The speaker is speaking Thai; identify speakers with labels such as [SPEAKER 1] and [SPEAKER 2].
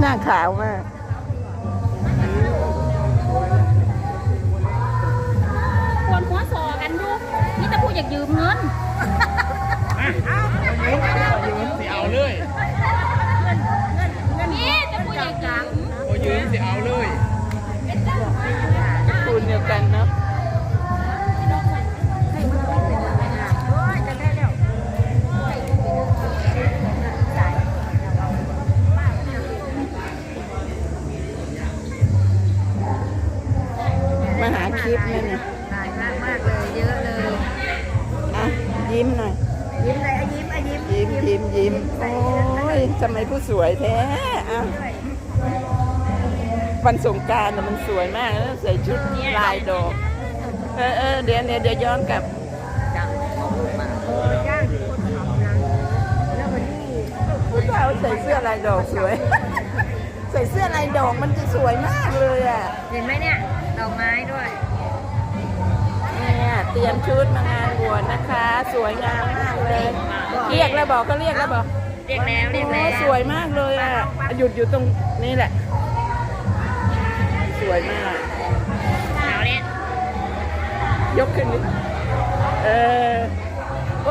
[SPEAKER 1] น้าขาวมาก
[SPEAKER 2] ควรหัวสอกันดูนี่จะพูดอยากยืมเงิน
[SPEAKER 3] ยืมสิเอาเลย
[SPEAKER 2] นี่จะพูดอยากยืม
[SPEAKER 3] พอยืมสิเอาเลย
[SPEAKER 1] คูณเดียวกันเนาะมาหาคลิปนี่เนี่ย
[SPEAKER 4] ถ่ายมากเลยเยอะเลย
[SPEAKER 1] อ่ะยิ้มหน่อย
[SPEAKER 4] ยิ้มเลยยิ้ม
[SPEAKER 1] ยิ้มโอ้ยทำไมผู้สวยแท้อ่ะวันสงกรานต์มันสวยมากแล้วใส่ชุดลายดอกเดี๋ยวย้อนกลับ
[SPEAKER 4] จ้างคนทำนะแล้ววันนี้
[SPEAKER 1] ผู้สาวใส่เสื้อลายดอกสวยใส่เสื้อลายดอกมันจะสวยมากเลยอ่ะ
[SPEAKER 4] เห็นไหมเนี่ยดอกไม้ด้วย
[SPEAKER 1] เนี่ยเตรียมชุดมางานบวชนะคะ สวยงามมากเลยเรียกแล้วบอกก็เรียกแล้วบอก
[SPEAKER 4] เรียกแล้ว
[SPEAKER 1] สวยมากเลยอ่ะหยุดอยู่ตรงนี้แหละสวยมาก
[SPEAKER 4] เอาเนี่ย
[SPEAKER 1] ยกขึ้นนิด